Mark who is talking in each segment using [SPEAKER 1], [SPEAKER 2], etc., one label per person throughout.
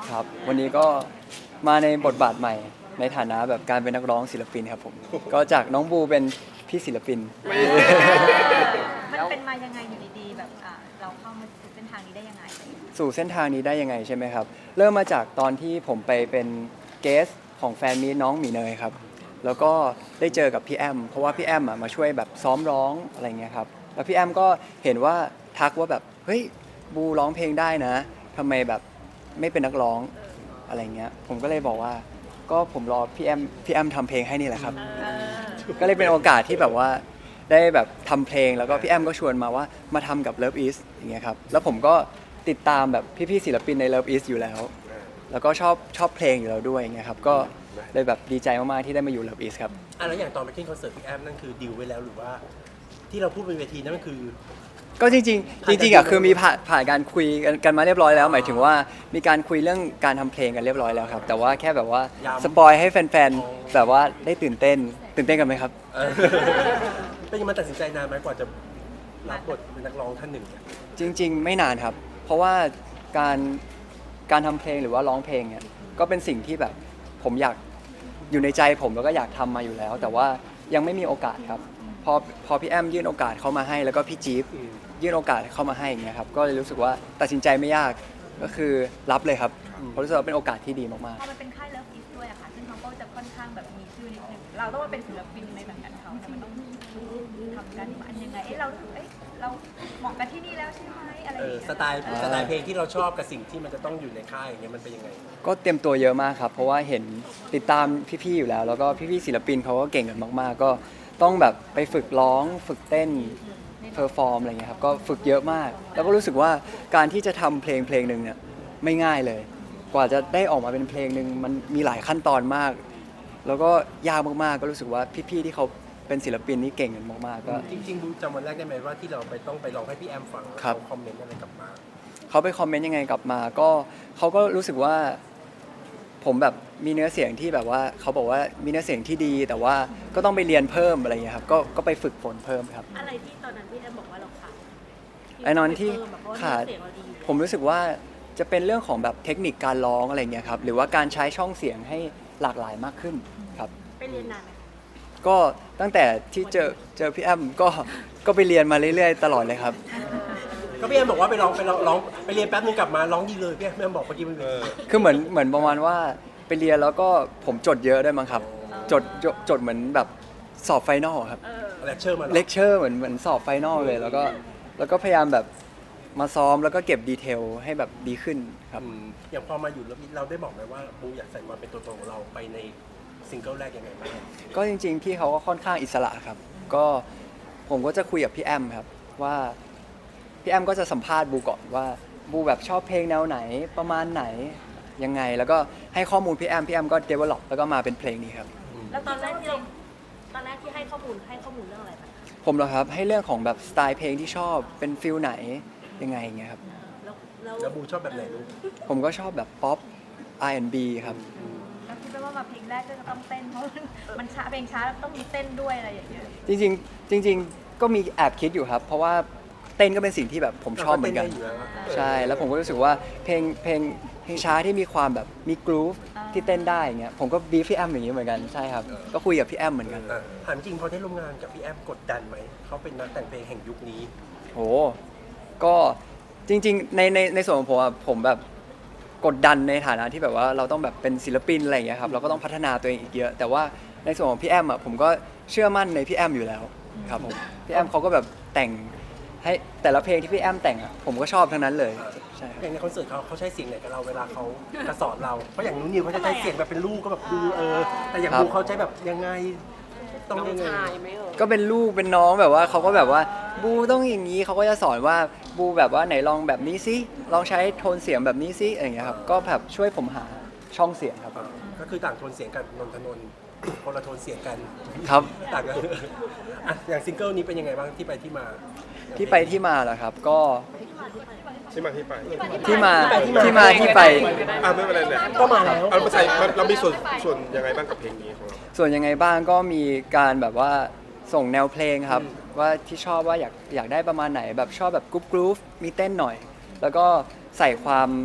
[SPEAKER 1] ครับวันนี้ก็มาในบทบาทใหม่ในฐานะแบบการเป็นนักร้องศิลปินครับผมก็จากน้องบูเป็นพี่ศิลปิน
[SPEAKER 2] มันเป็นมายังไงอยู่ดีๆแบบเราเข้ามาสู่เส้นทางนี้ได้ยังไง
[SPEAKER 1] สู่เส้นทางนี้ได้ยังไงใช่ไหมครับเริ่มมาจากตอนที่ผมไปเป็นเกสของแฟนมีตน้องหมีเนยครับแล้วก็ได้เจอกับพี่แอมเพราะว่าพี่แอมมาช่วยแบบซ้อมร้องอะไรเงี้ยครับแล้วพี่แอมก็เห็นว่าทักว่าแบบเฮ้ยบูร้องเพลงได้นะทำไมแบบไม่เป็นนักร้องอะไรเงี้ยผมก็เลยบอกว่าก็ผมรอพี่แอมทำเพลงให้นี่แหละครับก็เลยเป็นโอกาสที่แบบว่าได้แบบทำเพลงแล้วก็พี่แอมก็ชวนมาว่ามาทำกับ Love Is อย่างเงี้ยครับแล้วผมก็ติดตามแบบพี่ๆศิลปินใน Love Is อยู่แล้วแล้วก็ชอบเพลงอยู่แล้วด้วยอย่างเงี้ยครับก็เลยแบบดีใจมากๆที่ได้มาอยู่ Love Is ครับ
[SPEAKER 3] แล้วอย่างตอนไปขึ้นคอนเสิร์ตพี่แอมนั่นคือดีลไว้แล้วหรือว่าที่เราพูดบนเวทีนั่นมันคือ
[SPEAKER 1] ก็จริงๆอ่ะคือมีผ่านการคุยกันมาเรียบร้อยแล้วหมายถึงว่ามีการคุยเรื่องการทำเพลงกันเรียบร้อยแล้วครับแต่ว่าแค่แบบว่าสปอยให้แฟนๆแบบว่าได้ตื่นเต้นกันไหมครับ
[SPEAKER 3] เป็นยังไงตัดสินใจนานไหมกว่าจะรับบทเป็นนักร้องท่านหนึ่งเนี่ย
[SPEAKER 1] จริงๆไม่นานครับเพราะว่าการทำเพลงหรือว่าร้องเพลงเนี่ยก็เป็นสิ่งที่แบบผมอยากอยู่ในใจผมแล้วก็อยากทำมาอยู่แล้ว แต่ว่ายังไม่มีโอกาสครับพอพี่แอมยื่นโอกาสเข้ามาให้แล้วก็พี่จี๊ฟยื่นโอกาสเข้ามาให้อย่างเงี้ยครับก็เลยรู้สึกว่าตัดสินใจไม่ยากก็คือรับเลยครับเพราะรู้สึกว่าเป็นโอกาสที่ดีมาก
[SPEAKER 2] พอมันเป็นค่ายเลิฟอีสด้วยอะค่ะซึ่งเขาก็จะค่อนข้างแบบมีชื่อนิดนึงเราต้องมาเป็นศิลปินในสังกัดเขาแต่มันต้องทำกันมันยังไงเราเหมาะกับที่นี่แล้วใช่ไหมอะไรอย่างเงี้ย
[SPEAKER 3] สไตล์เพลงที่เราชอบกับสิ่งที่มันจะต้องอยู่ในค่ายอย่างเงี้ยมันเป็นยังไง
[SPEAKER 1] ๆก็เตรียมตัวเยอะมากครับเพราะว่าเห็นติดตามพี่ๆอยู่แล้วแล้วก็พี่ๆศิลปินเขาก็เก่งกันมากๆก็ต้องแบบไปฝึกร้องฝึกเต้นเพอร์ฟอร์มอะไรเงี้ยครับก็ฝึกเยอะมากแล้วก็รู้สึกว่าการที่จะทำเพลงหนึ่งเนี่ยไม่ง่ายเลยกว่าจะได้ออกมาเป็นเพลงหนึ่งมันมีหลายขั้นตอนมากแล้วก็ยากมากๆก็รู้สึกว่าพี่ๆที่เขาเป็นศิลปินนี่เก่งกันมากๆก็
[SPEAKER 3] จริงๆบูจำวันแรกได้ไหมว่าที่เราต้องไปร้องให้พี่แอมฟังเขาคอมเมนต์อะไรกลับมา
[SPEAKER 1] เขาไปคอมเมนต์ยังไงกลับมาก็เขาก็รู้สึกว่าผมแบบมีเนื้อเสียงที่แบบว่าเขาบอกว่ามีเนื้อเสียงที่ดีแต่ว่าก็ต้องไปเรียนเพิ่มอะไรอย่างเงี้ยครับก็ไปฝึกฝนเพิ่มครับ
[SPEAKER 2] อะไรที่ตอนนั้นพี่แอมบอกว่าเราขาด
[SPEAKER 1] ไอ้นอนที่ขาดผมรู้สึกว่าจะเป็นเรื่องของแบบเทคนิคการร้องอะไรเงี้ยครับหรือว่าการใช้ช่องเสียงให้หลากหลายมากขึ้นครับ
[SPEAKER 2] ไปเรียนนานไหม
[SPEAKER 1] ก็ตั้งแต่ที่เจอพี่แอมก็ไปเรียนมาเรื่อยๆตลอดเลยครับ
[SPEAKER 3] ก็พี่แอมบอกว่าไปร้องไปเรียนแป๊บนึงกลับมาร้องดีเลยพี่แอมบอกเมื่อกี้มัน
[SPEAKER 1] คือเหมือนประมาณว่าไปเรียนแล้วก็ผมจดเยอะด้วยมั้งครับจดเหมือนแบบสอบไฟนอลครับ
[SPEAKER 3] เลคเชอร์มา
[SPEAKER 1] เลคเชอร์เหมือนสอบไฟนอลเลยแล้วก็พยายามแบบมาซ้อมแล้วก็เก็บดีเทลให้แบบดีขึ้นครับ
[SPEAKER 3] อย่างพอมาอยู่แล้วเราได้บอกไหมว่าบูอยากใส่ความเป็นตัวตนของเราไปในซิงเกิลแรกยังไงบ้าง
[SPEAKER 1] ก็จริงๆพี่เขาก็ค่อนข้างอิสระครับก็ผมก็จะคุยกับพี่แอมครับว่าพี่แอมก็จะสัมภาษณ์บูก่อนว่าบูแบบชอบเพลงแนวไหนประมาณไหนยังไงแล้วก็ให้ข้อมูลพี่แอมก็ develop แล้วก็มาเป็นเพลงนี้ครับ
[SPEAKER 2] แล้วตอนแรกที่ให้ข้อมูลเรื่องอะไรบ้าง
[SPEAKER 1] ผมเหรอครับให้เรื่องของแบบสไตล์เพลงที่ชอบเป็นฟิลไหนยังไงอย่างเงี้ยครับ
[SPEAKER 3] แล้วบูชอบแบบไหนลูก
[SPEAKER 1] ผมก็ชอบแบบป๊อป R&B ครับ
[SPEAKER 2] แล้วคิดว่ามาเพลงแรกก็จะต้องเต้นเพราะมันช้าเพลงช้าต้องมีเต้นด้วยอะไรอย่างเงี้ย
[SPEAKER 1] จริงๆก็มีแอบคิดอยู่ครับเพราะว่าเต้นก็เป็นสิ่งที่แบบผมชอบเหมือนกันใช่แล้วผมก็รู้สึกว่าเพลงช้าที่มีความแบบมีกรูฟที่เต้นได้อย่างเงี้ยผมก็บีฟพี่แอมอย่างงี้เหมือนกันใช่ครับก็คุยกับพี่แอมเหมือนกัน
[SPEAKER 3] ถามจริงพอได้ร่วมงานกับพี่แอมกดดันไหมเขาเป็นนักแต่งเพลงแห่งยุคนี้
[SPEAKER 1] โหก็จริงๆในส่วนของผมอะผมแบบกดดันในฐานะที่แบบว่าเราต้องแบบเป็นศิลปินอะไรอย่างเงี้ยครับเราก็ต้องพัฒนาตัวเองอีกเยอะแต่ว่าในส่วนของพี่แอมอะผมก็เชื่อมั่นในพี่แอมอยู่แล้วครับผมพี่แอมเขาก็แบบแต่งให้แต่ละเพลงที่พี่แอมแต่งอะผมก็ชอบทั้งนั้นเลยใช่
[SPEAKER 3] อย่างในคอนเสิร์ตเขาใช้เสียงไหนกับเราเวลาเขาจะสอนเราเพราะอย่างนู้นนิวเขาจะใช้เสียงแบบเป็นลูกก็แบบดูแต่อย่างบูเขาใช้แบบยังไงต้องยังไง
[SPEAKER 1] ก็เป็นลูกเป็นน้องแบบว่าเขาก็แบบว่าบูต้องอย่างนี้เขาก็จะสอนว่าบูแบบว่าไหนลองแบบนี้ซิลองใช้โทนเสียงแบบนี้ซิอะไรอย่างเงี้ยครับก็แบบช่วยผมหาช่องเสียงครับ
[SPEAKER 3] ก็คือต่างโทนเสียงกันนนทนนท์คนละโทนเสียงกัน
[SPEAKER 1] ครับ
[SPEAKER 3] ต่างกันอย่างซิงเกิลนี้เป็นยังไงบ้างที่ไปที่มา
[SPEAKER 1] เหรอครับก็
[SPEAKER 4] ที่มาที่ไป
[SPEAKER 1] ที่ไป
[SPEAKER 4] ไม่เป็นไรเลย
[SPEAKER 3] ก็มาแล้ว
[SPEAKER 4] เรามีส่วนยังไงบ้างกับเพลงนี้ของเรา
[SPEAKER 1] ส่วนยังไงบ้างก็มีการแบบว่าส่งแนวเพลงครับว่าที่ชอบว่าอยากได้ประมาณไหนแบบชอบแบบกรุ๊ปมีเต้นหน่อยแล้วก็ใส่ความ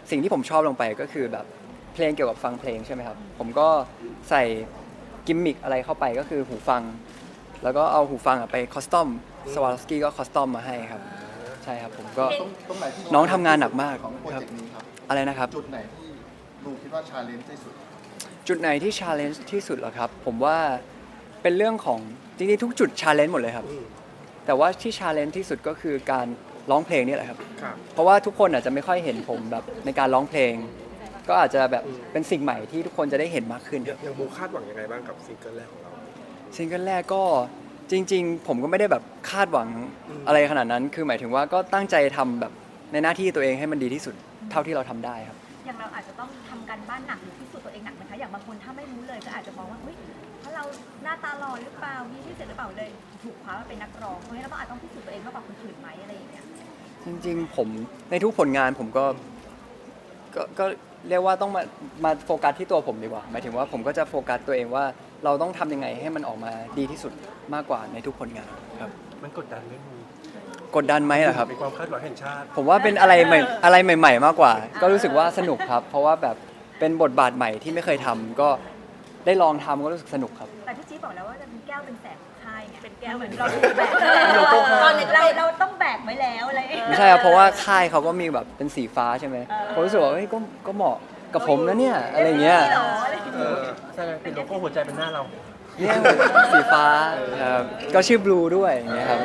[SPEAKER 1] สิ่งที่ผมชอบลงไปก็คือแบบเพลงเกี่ยวกับฟังเพลงใช่ไหมครับผมก็ใส่กิมมิคอะไรเข้าไปก็คือหูฟัง แล้วก็เอาหูฟังไปคอสตอมสวาลสกี้ก็คอสตอมมาให้ครับใช่ครับผมก็
[SPEAKER 5] ตรงไหนที่
[SPEAKER 1] น้องทำงานหนักมาก
[SPEAKER 5] ของโปร
[SPEAKER 1] ครับ
[SPEAKER 5] เจกต์นี้ครับ
[SPEAKER 1] อะไรนะครับ
[SPEAKER 5] จุดไหนที่ลูกคิดว่าชาเลนจ์ที่สุด
[SPEAKER 1] จุดไหนที่ชาเลนจ์ที่สุดเหรอครับผมว่าเป็นเรื่องของจริงๆทุกจุดชาเลนจ์หมดเลยครับ แต่ว่าที่ชาเลนจ์ที่สุดก็คือการร้องเพลงนี่แหละครับ
[SPEAKER 4] ครับ
[SPEAKER 1] เพราะว่าทุกคนอาจจะไม่ค่อยเห็นผมแบบในการร้องเพลง ก็อาจจะแบบเป็นสิ่งใหม่ที่ทุกคนจะได้เห็นมากขึ้น
[SPEAKER 4] ยังบูคาดหวังยังไงบ้างกับซิงเกิลแรกของเรา
[SPEAKER 1] ซิงเกิลแรกก็จริง ๆ ผมก็ไม่ได้แบบคาดหวังอะไรขนาดนั้น คือหมายถึงว่าก็ตั้งใจทำแบบในหน้าที่ตัวเองให้มันดีที่สุดเท่าที่เราทำได้ครับ
[SPEAKER 2] อย่างเราอาจจะต้องทำการบ้านหนักหรือพิสูจน์ตัวเองหนักไหมคะอย่างบางคนถ้าไม่รู้เลยก็อาจจะมองว่าเฮ้ยเพราะเราหน้าตาหล่อหรือเปล่ามีที่เสร็จหรือเปล่าเลยถูกคว้ามาเป็นนักร้องเพราะงั้นเราก็อาจต้องพิสูจน์ตัวเองมากกว่าคนอื่นไหมอะไรอย่างเงี้ย
[SPEAKER 1] จริงๆผมในทุกผลงานผมก็เรียกว่าต้องมาโฟกัสที่ตัวผมดีกว่าหมายถึงว่าผมก็จะโฟกัสตัวเองว่าเราต้องทำยังไงให้มันออกมาดีที่สุดมากกว่าในทุกผลงานครับ
[SPEAKER 3] มันกดดันไหมมึง
[SPEAKER 1] กดดันไหมเหรอครับ
[SPEAKER 3] เป็นความคาดหวังแห่งชาติ
[SPEAKER 1] ผมว่าเป็นอะไรใหม่อะไรใหม่ ๆ มากกว่า ก็รู้สึกว่าสนุกครับ เพราะว่าแบบเป็นบทบาทใหม่ที่ไม่เคยทำก็ได้ลองทำก็รู้สึกสนุกครับ
[SPEAKER 2] แต่พี่จี๊ดบอกแล้วว่าจะเป็นแก้วเป็นแสงของค่ายไงเป็นแก้ว
[SPEAKER 6] เห
[SPEAKER 2] เห
[SPEAKER 6] มื
[SPEAKER 2] มื
[SPEAKER 6] อ
[SPEAKER 2] อน น
[SPEAKER 6] เรา
[SPEAKER 2] เรา
[SPEAKER 6] ถู
[SPEAKER 2] ถู
[SPEAKER 6] ก
[SPEAKER 2] ก
[SPEAKER 6] แบ
[SPEAKER 2] แบบ บ
[SPEAKER 6] ตอนเด็กเรา
[SPEAKER 2] เราต้องแบกไว้แล้วอะไรอย่างเงี้ย
[SPEAKER 1] ไม่ใช่ครับเพราะว่าค่ายเขาก็มีแบบเป็นสีฟ้าใช่ไหมผมรู้สึกว่าเฮ้ยก็เหมาะกับผมนะเนี่ยอะไรเงี้ย
[SPEAKER 2] หรออะไรอย่าง
[SPEAKER 3] เอ
[SPEAKER 2] เงี้ย
[SPEAKER 3] อใช่ไหมเป็นโลโก้หัวใจเป็นหน้าเรา
[SPEAKER 1] เนี่ยสีฟ้าครับก็ชื่อบลูด้วยอย่างเงี้ยครับ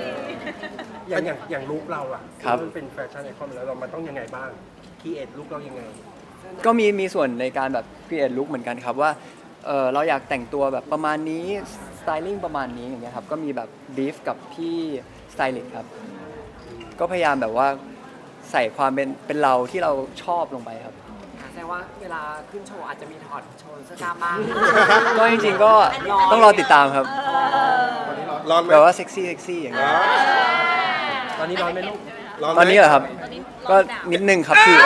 [SPEAKER 3] อย่างลุคเราอะ
[SPEAKER 1] ครับ
[SPEAKER 3] มันเป็นแฟชั่นไอคอนแล้วเรามันต้องยังไงบ้างคีเอทลุคเรายังไง
[SPEAKER 1] ก็มีส่วนในการแบบ create look เหมือนกันครับว่าเราอยากแต่งตัวแบบประมาณนี้ styling ประมาณนี้อย่างเงี้ยครับก็มีแบบ brief กับพี่ stylist ครับก็พยายามแบบว่าใส่ความเป็นเราที่เราชอบลงไปครับ
[SPEAKER 6] แสดงว่าเวลาขึ้นโชว์อาจจะมีถอดโชว์เสื้อกล้ามบ้าง
[SPEAKER 1] ก็จริงๆก็ต้องรอติดตามครับ
[SPEAKER 4] ร้อนไหม
[SPEAKER 1] แบบว่าเซ็กซี่อย่างเงี้ย
[SPEAKER 3] ตอนนี้ร้อนไหมลูก
[SPEAKER 4] ร้อนไหม
[SPEAKER 1] ตอนนี้เหรอครับ ก็นิดนึงครับพี่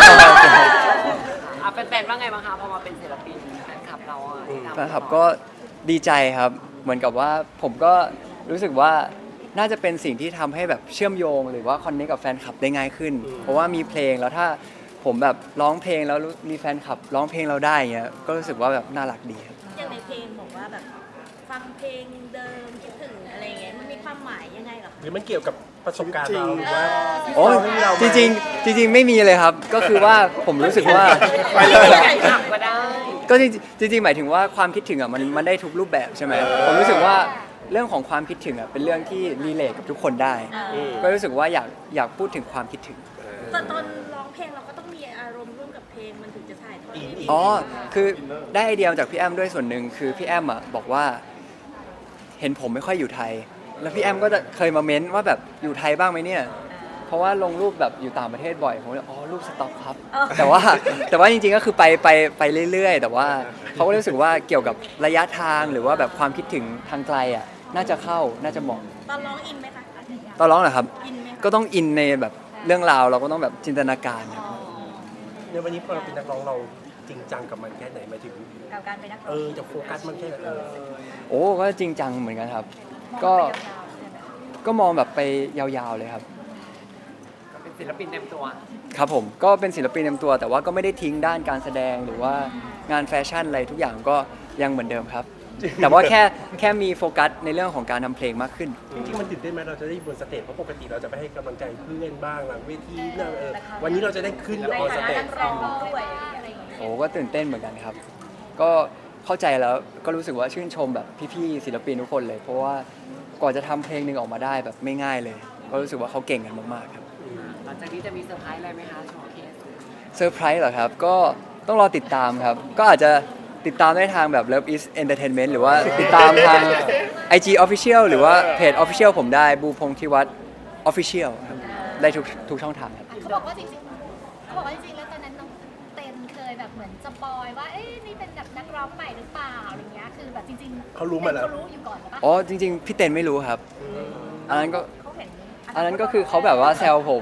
[SPEAKER 6] อ่ะแฟนๆว่าไงบ้างคะพอมาเป็นศิลปินแฟนคลับเราอ่ะที่ทำ
[SPEAKER 1] แฟนคลับก็ดีใจครับ เหมือนกับว่าผมก็รู้สึกว่าน่าจะเป็นสิ่งที่ทำให้แบบเชื่อมโยง หรือว่าคอนเนคกับแฟนคลับได้ง่ายขึ้น เพราะว่ามีเพลงแล้วถ้าผมแบบร้องเพลงแล้วมีแฟนคลับร้องเพลงเราได้เงี้ยก็รู้สึกว่าแบบน่ารักดีครับ
[SPEAKER 7] อย่างในเพลงบอกว่าแบบฟังเพลงเดิมคิดถึงอะไรเงี้ยมันมีความหมายยังไงเหรอคะ
[SPEAKER 3] หรือมันเกี่ยวกับประสบการณ์เราหรือว่า
[SPEAKER 1] โอ้ยจริงๆไม่มีเลยครับ ก็คือว่าผมรู้สึกว่า
[SPEAKER 6] ไปเลยถามก็ได้
[SPEAKER 1] ก็จริงๆหมายถึงว่าความคิดถึงอ่ะมันได้ทุกรูปแบบใช่ไหมผมรู้สึกว่าเรื่องของความคิดถึงอ่ะเป็นเรื่องที่รีเลทกับทุกคนได้ ก็รู้สึกว่าอยากพูดถึงความคิดถึง
[SPEAKER 7] แต่ตอนร้องเพลงเราก็ต้องมีอารมณ์ร่วมกับเพลงมันถึงจะถ่ายทอดได้ดี
[SPEAKER 1] อ๋อคือได้ไอเดียมาจากพี่แอมด้วยส่วนหนึ่งคือพี่แอมอ่ะบอกว่าเห็นผมไม่ค่อยอยู่ไทย แล้วพี่แอมก็จะเคยมาเม้นว่าแบบอยู่ไทยบ้างไหมเนี่ย เพราะว่าลงรูปแบบอยู่ต่างประเทศบ่อยผมเลยอ๋อรูปสต็อกครับ แต่ว่าจริงๆก็คือไปเรื่อยๆ แต่ว่าเขาก็รู้สึกว่าเกี่ยวกับระยะทางหรือว่าแบบความคิดถึงทางไกลอ่ะน่าจะเข้าน่าจะเหมาะ
[SPEAKER 7] ตอนร้องอินไหมคะ
[SPEAKER 1] ตอนร้องเหรอครับ
[SPEAKER 7] อินไหมคะ
[SPEAKER 1] ก็ต้องอินในแบบเรื่องราวเราก็ต้องแบบจินตนาการครับ
[SPEAKER 3] ในวันนี้พอเราเป็นนักร้องเราจริงจังกับมันแค่ไหนหมายถึง
[SPEAKER 2] กับการเป็นนักร้อง
[SPEAKER 3] จะโฟกัสมันแค่ไหน
[SPEAKER 1] โอ้ก็จริงจังเหมือนกันครับ
[SPEAKER 2] มอง
[SPEAKER 1] ก็
[SPEAKER 2] ไปยาวๆใช่ไหม
[SPEAKER 1] ก็มองแบบไปยาวๆเลยครับ
[SPEAKER 6] ก็เป็นศิลปินเต็มตัว
[SPEAKER 1] ครับผมก็เป็นศิลปินเต็มตัว แต่ว่าก็ไม่ได้ทิ้งด้านการแสดงหรือว่างานแฟชั่นอะไรทุกอย่างก็ยังเหมือนเดิมครับ แต่ว่าแค่มีโฟกัสในเรื่องของการทำเพลงมากขึ้น
[SPEAKER 3] จริงๆมันตื่นเต้นไหมเราจะได้บนสเตจเพราะปกติเราจะไปให้กำลังใจเพื่อนบ้างหลังเวทีเนี่ยวันนี้เราจะได้ขึ้น
[SPEAKER 2] ใน
[SPEAKER 3] ออนส
[SPEAKER 2] ฐานะ
[SPEAKER 3] เตจ
[SPEAKER 2] นักร้องด้วยอะไรอย่างเงี้ย
[SPEAKER 1] โอ้ก็ตื่นเต้นเหมือนกันครับ ก็เข้าใจแล้วก็รู้สึกว่าชื่นชมแบบพี่ๆศิลปินทุกคนเลย เพราะว่ากว่าจะทำเพลงหนึ่งออกมาได้แบบไม่ง่ายเลย ก็รู้สึกว่าเขาเก่งกันมากๆครับ
[SPEAKER 6] หลังจากนี้จะมีเซอร์ไพรส์อะไรไหมคะโชว์เคส
[SPEAKER 1] เซอร์ไพรส์เหรอครับ ก็ต้องรอติดตามครับ ก็อาจจะติดตามได้ทางแบบ Love is Entertainment หรือว่าติดตามทาง IG Official หรือว่าเพจ Official ผมได้บูพงษ์ธิวัฒน์ Official ครับได้ทุกช่องทางครับ
[SPEAKER 8] เขาบอกว่าจริงๆเขาบอกว่าจริงๆ แล้วตอนนั้นน้องเต้นเคยแบบเหมือนสปอยว่า เอ๊ะนี่เป็นแบบนักร้องใหม่หรือเปล่าอะไรเงี้ย คือแบบจริงๆ
[SPEAKER 3] เขารู้มาแล้ว
[SPEAKER 8] เขารู้อยู่ก่อนปะ
[SPEAKER 1] อ๋อจริงๆ พี่เต้นไม่รู้ครับ อันนั้นก็
[SPEAKER 2] เขาเห็น
[SPEAKER 1] อันนั้นก็คือเขาแบบว่าแซวผม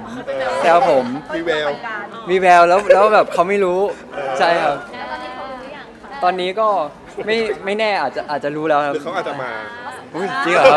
[SPEAKER 4] มีแวว
[SPEAKER 1] มีแววแล้วแบบเขาไม่รู้ใช่ครับ
[SPEAKER 8] แล้วตอนนี้เขารู้หรือยังคะ
[SPEAKER 1] ตอนนี้ก็ไม่แน่อาจจะรู้แล้วครับ
[SPEAKER 4] หรือเขาอาจจะมา
[SPEAKER 1] อุ๊ยจริงเหรอครับ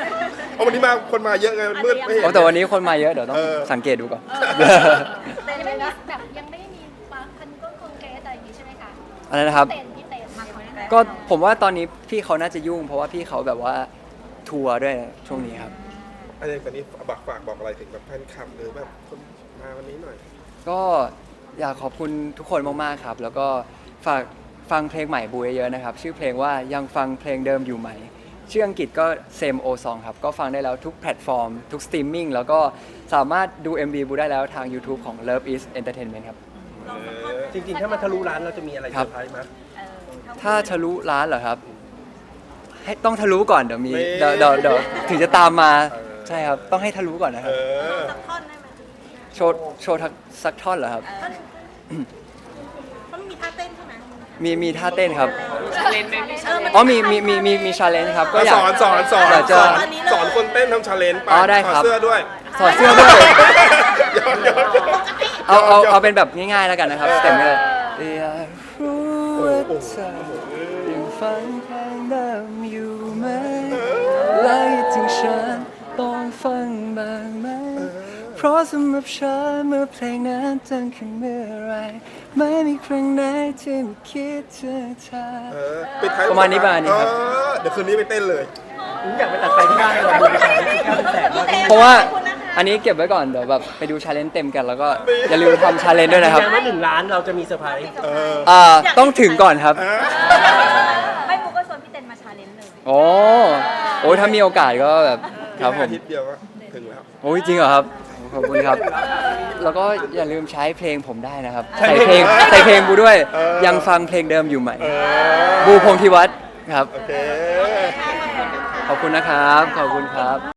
[SPEAKER 4] เพราะวันนี้มาคนมาเยอะไงมันมืดไม่เห็น
[SPEAKER 1] โอ้แต่วันนี้คนมาเยอะเดี๋ยวต้อง
[SPEAKER 4] เออ
[SPEAKER 1] สังเกตดูก่อน
[SPEAKER 2] แต่ยังไม่
[SPEAKER 8] ไม่มีแบบยังไม่มีมาคันก้นคงเกสอะไรอย่างงี้ใช่ไหมคะ
[SPEAKER 1] อะไรนะครับ
[SPEAKER 8] พี่เต้นมาคอนแกร
[SPEAKER 1] ก็ผมว่าตอนนี้พี่เขาน่าจะยุ่ง เพราะว่าพี่เขาแบบว่าทัวร์ด้วยช่วงนี้ครับ
[SPEAKER 4] อะไรตอนนี้ฝากบอกอะไรถึงแบบแฟนคลับหรือแบบคนมาวันนี้หน่อย
[SPEAKER 1] ก็อยากขอบคุณทุกคนมากๆครับ แล้วก็ฝากฟังเพลงใหม่บูเยอะๆนะครับ ชื่อเพลงว่ายังฟังเพลงเดิมอยู่ไหม ชื่ออังกฤษก็ Same O Song ครับ ก็ฟังได้แล้วทุกแพลตฟอร์ม ทุกสตรีมมิ่งแล้วก็สามารถดู MV บูได้แล้วทาง YouTube ของ Love is Entertainment ครับ
[SPEAKER 3] จริงๆ ถ้ามันทะลุร้านเราจะมีอะไรเซอร์ไพรส์ไหม
[SPEAKER 1] ถ้าทะลุร้านเหรอครับ ให้ต้องทะลุก่อนเดี๋ยวมี
[SPEAKER 4] นี่
[SPEAKER 1] เดี๋ยวถึงจะตามมาใช่ครับ ต้องให้ทะลุก่อนนะค
[SPEAKER 4] เอ
[SPEAKER 1] รับ
[SPEAKER 4] อ
[SPEAKER 7] สักท่อนได้ไหม
[SPEAKER 1] โชว์สักท่อนเหรอครับ
[SPEAKER 7] เพราะมันมีท่าเต้นใช่ไหม
[SPEAKER 1] มีท่าเต้นครับ
[SPEAKER 6] ชาเลนจ์ไหมพี่ชาเลนจ์
[SPEAKER 1] อ๋อมีชาเลนจ์ครับ ก็อยาก
[SPEAKER 4] สอน
[SPEAKER 1] อยากจะ
[SPEAKER 4] สอนคนเต้นทำชาเลนจ์ไป
[SPEAKER 1] อ๋อได้ครับ
[SPEAKER 4] ถอดเสื้อด้วย
[SPEAKER 1] สอดเสื้อด้วย
[SPEAKER 4] ย้อน
[SPEAKER 1] เอาเป็นแบบง่ายๆแล้วกันนะครับสเต็ปนี้อยากรู้ว่าเธอยังฟังเพลงเดิมอยู่ไหมและถึงฉันต้องฟังบ้างไหมเพราะสำหรับฉันเมื่อเพลงนั้นดังขึ้นเมื่อไรไม่มีครั้งไหนที่ไม่คิดถึงเธอ
[SPEAKER 4] ปิดท้าย
[SPEAKER 1] ประมาณนี้ครับ
[SPEAKER 4] เดี๋ยวคืนนี้ไปเต้นเลย
[SPEAKER 3] ผมอยากไปตัดไฟที่บ้านเลยดูไปขายที่900,000แล้ว
[SPEAKER 1] เพราะว่าอันนี้เก็บไว้ก่อนเดี๋ยวแบบไปดูชาเลนจ์เต็มกันแล้วก็อย่าลืมทำชาเลนจ์ด้วยนะครับ
[SPEAKER 3] ยังไม่1 ล้านเราจะมีเซอร์ไพรส์
[SPEAKER 1] ต้องถึงก่อนครับ
[SPEAKER 2] ไม่ปุ๊กก็ชวนพี่เต้นมาชาเลนจ์เลย
[SPEAKER 1] โอ้ถ้ามีโอกาสก็แบบครับผม
[SPEAKER 4] อาทิตย์เดียวก็ถึงแล้ว
[SPEAKER 1] โอ้ยจริงเหรอครับขอบคุณครับ แล้วก็อย่าลืมใช้เพลงผมได้นะครับ ใส่เพลงบูด้วย ยังฟังเพลงเดิมอยู่ไหม บูพงษ์ธิวัฒน์ครับ
[SPEAKER 4] โอเค
[SPEAKER 1] ขอบคุณนะครับ ขอบคุณครับ